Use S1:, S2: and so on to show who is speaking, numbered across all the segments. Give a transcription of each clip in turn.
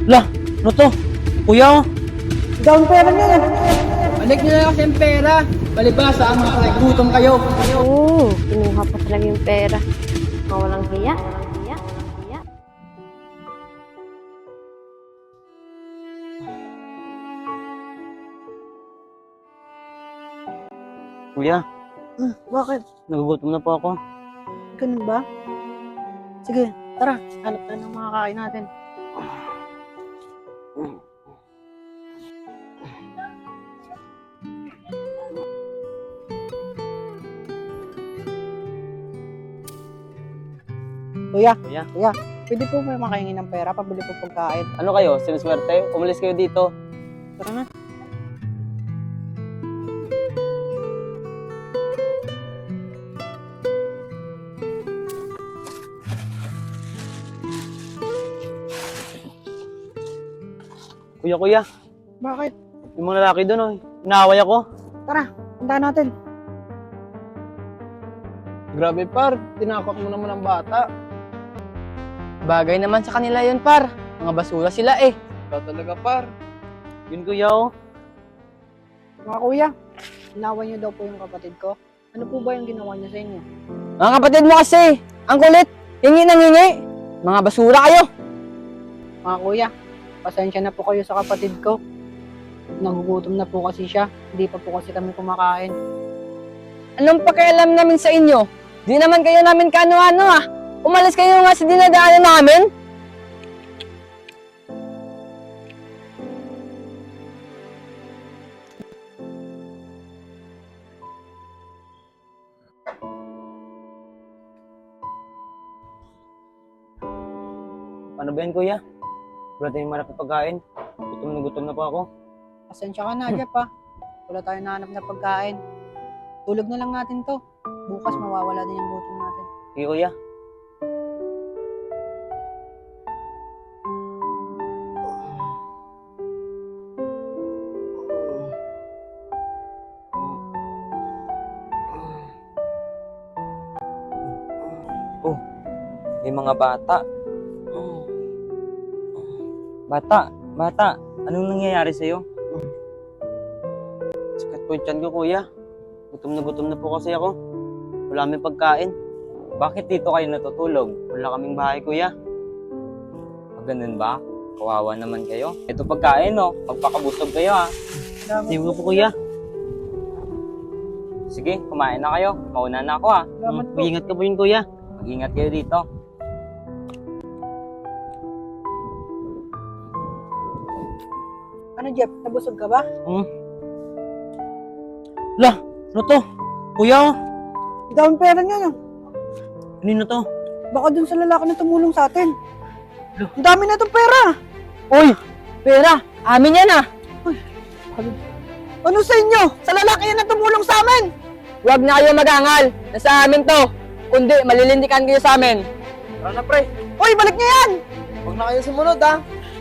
S1: Lah, ano to? Kuya, oh.
S2: Down pera niya yan.
S3: Balik nyo na kasi ang pera. Palibasa ang mga gutom kayo.
S4: Oo, kinuha pa talaga yung pera. Mga walang hiya. Hiya. Hiya.
S1: Kuya,
S2: Bakit?
S1: nagugutom na po ako.
S2: Ganun ba? Sige, tara. Hanap tayo ng mga kain natin. Kuya,
S1: Kuya,
S2: pwede po may makahingi ng pera, pabili po pagkain.
S1: ano kayo? Sinuswerte? Umalis kayo dito.
S2: Tara na.
S1: Kuya,
S2: Bakit?
S1: yung mga lalaki doon, oh. Inaaway ako.
S2: Tara, punta natin.
S3: Grabe par, tinakot mo naman ang bata. Bagay naman sa kanila yun par. Mga basura sila eh. Ikaw talaga par.
S1: Yun kuya, oh.
S2: Mga kuya, inaway niyo daw po yung kapatid ko. Ano po ba yung ginawa niyo sa inyo?
S3: Mga kapatid mo kasi, ang kulit. Hingi ng hingi. Mga basura kayo.
S2: Mga kuya, pasensya na po kayo sa kapatid ko. Nagugutom na po kasi siya. Hindi pa po kasi kami kumakain.
S3: Anong pakialam namin sa inyo? Di naman kayo namin kano-ano ah. Umalis kayo nga sa dinadaanan namin.
S1: Ano ba yan, kuya? Wala tayong marap na pagkain. Gutom na po ako.
S2: Pasensya ka na, Jeff ha. Wala tayong nahanap na pagkain. Tulog na lang natin to. Bukas mawawala din yung gutom natin.
S1: Sige, kuya. Oh, may mga bata. Bata, anong nangyayari sa'yo? Sakit po yung tiyan ko, kuya. Gutom na po kasi ako. Wala kaming pagkain. Bakit dito kayo natutulog? Wala kaming bahay, kuya. Ganun ba? Kawawa naman kayo. Ito pagkain, no? Magpakabusog kayo, ha? Sige po, kuya. Sige, kumain na kayo. Mauna na ako, ha?
S2: Salamat po.
S1: Mag-ingat ka po yun, kuya. Mag-ingat kayo dito.
S2: Ano, Jeff? Nabusog ka ba?
S1: Lah, ano to? Kuya, oh.
S2: Down pera niya yan.
S1: Kanino to?
S2: Baka dun sa lalaki na tumulong sa atin. Ang dami na itong pera.
S3: Uy, pera. Amin yan ah.
S2: Ano sa inyo? Sa lalaki yan na tumulong sa amin.
S3: Huwag na kayo magangal. Nasa amin to. Kundi malilindikan kayo sa amin.
S1: Tara na, pre.
S2: Uy, balik niya yan.
S3: Huwag na kayo sumunod ah.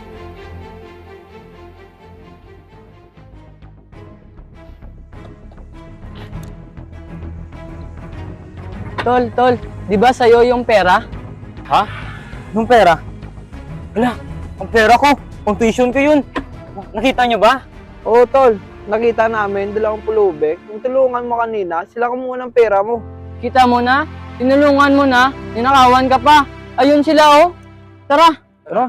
S3: Tol, di ba sa'yo yung pera?
S1: Ha? Anong pera? Wala, ang pera ko. Pang tuition ko yun. Nakita nyo ba?
S5: Oo, tol. Nakita namin, dalawang pulubek. Yung tulungan mo kanina, sila kumuha ng pera mo.
S3: Kita mo na, tinulungan mo na, ninakawan ka pa. Ayun sila oh. Tara.
S5: Tara.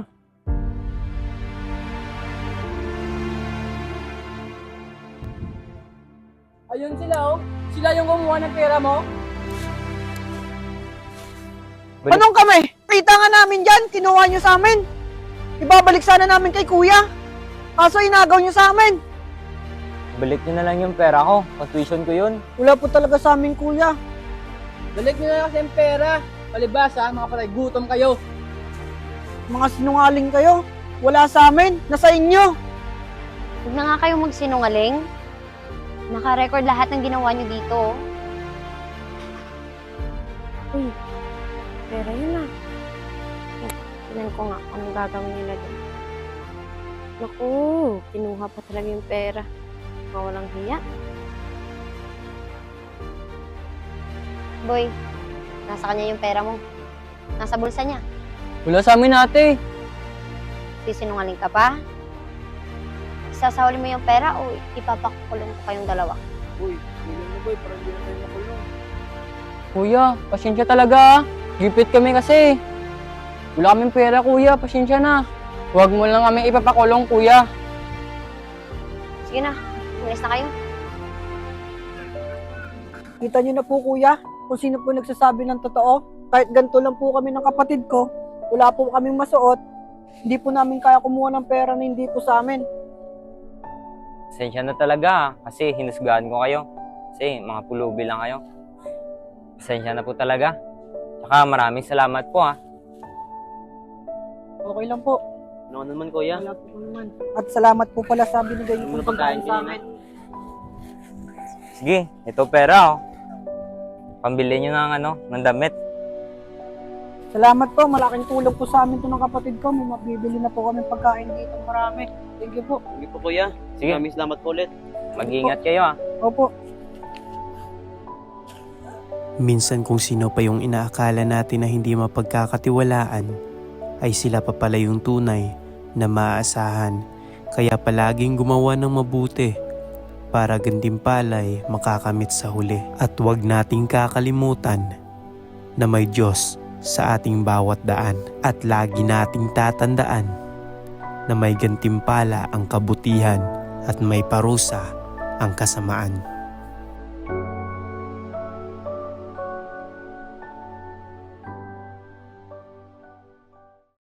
S3: Ayun sila oh. Sila yung kumuha ng pera mo.
S1: Balik.
S2: Anong kami? Kita nga namin dyan. Kinuha nyo sa amin. Ibabalik sana namin kay kuya. Kaso inagaw nyo sa amin.
S1: Balik nyo na lang yung pera ko. Pang tuition ko yun.
S2: Wala po talaga sa amin, kuya.
S3: Balik nyo na kasi ang pera. Palibasa, mga patay, gutom kayo.
S2: Mga sinungaling kayo. Wala sa amin. Nasa inyo.
S4: Huwag na nga kayong magsinungaling. Naka-record lahat ng ginawa niyo dito. Uy, pera yun ah. Tignan ko nga anong gagawin nila doon. Naku, kinuha pa talaga yung pera. Mga walang hiya. Boy, nasa kanya yung pera mo. Nasa bulsa niya.
S3: Wala sa amin ate.
S4: Nagsisinungaling ka pa? Isasawali mo yung pera o ipapakulong ko kayong dalawa?
S5: Uy, tingnan mo boy, parang hindi na tayo nakulong.
S3: Kuya, pasensya talaga. Gipit kami kasi. Wala kaming pera, kuya. Pasensya na. Huwag mo lang kami ipapakulong, kuya.
S4: Sige na, umalis na kayo.
S2: Kita niyo na po kuya, kung sino po nagsasabi ng totoo. Kahit ganito lang po kami ng kapatid ko, wala po kaming masuot, hindi po namin kaya kumuha ng pera na hindi po sa amin.
S1: Pasensya na talaga kasi hinusgahan ko kayo. Kasi mga pulubi lang kayo. Pasensya na po talaga. Tsaka maraming salamat po
S2: Okay lang po.
S1: Ano naman kuya?
S2: Wala po naman. At salamat po pala sa binigay niyo
S1: Ano
S2: pong pagkain
S1: pagkain
S2: sa
S1: kanina?
S2: amin.
S1: Sige, ito pera Pambili nyo ng ng damit.
S2: Salamat po, malaking tulong po sa amin to ng kapatid ko. May mabibili na po kami pagkain dito marami. Thank you po.
S1: Sige po kuya. Sige. Maraming salamat po ulit. Mag-ingat kayo
S2: Opo.
S6: Minsan kung sino pa yung inaakala natin na hindi mapagkakatiwalaan, ay sila pa pala yung tunay na maaasahan. Kaya palaging gumawa ng mabuti para gantimpala'y makakamit sa huli. At huwag nating kakalimutan na may Diyos sa ating bawat daan. At lagi nating tatandaan na may gantimpala ang kabutihan at may parusa ang kasamaan.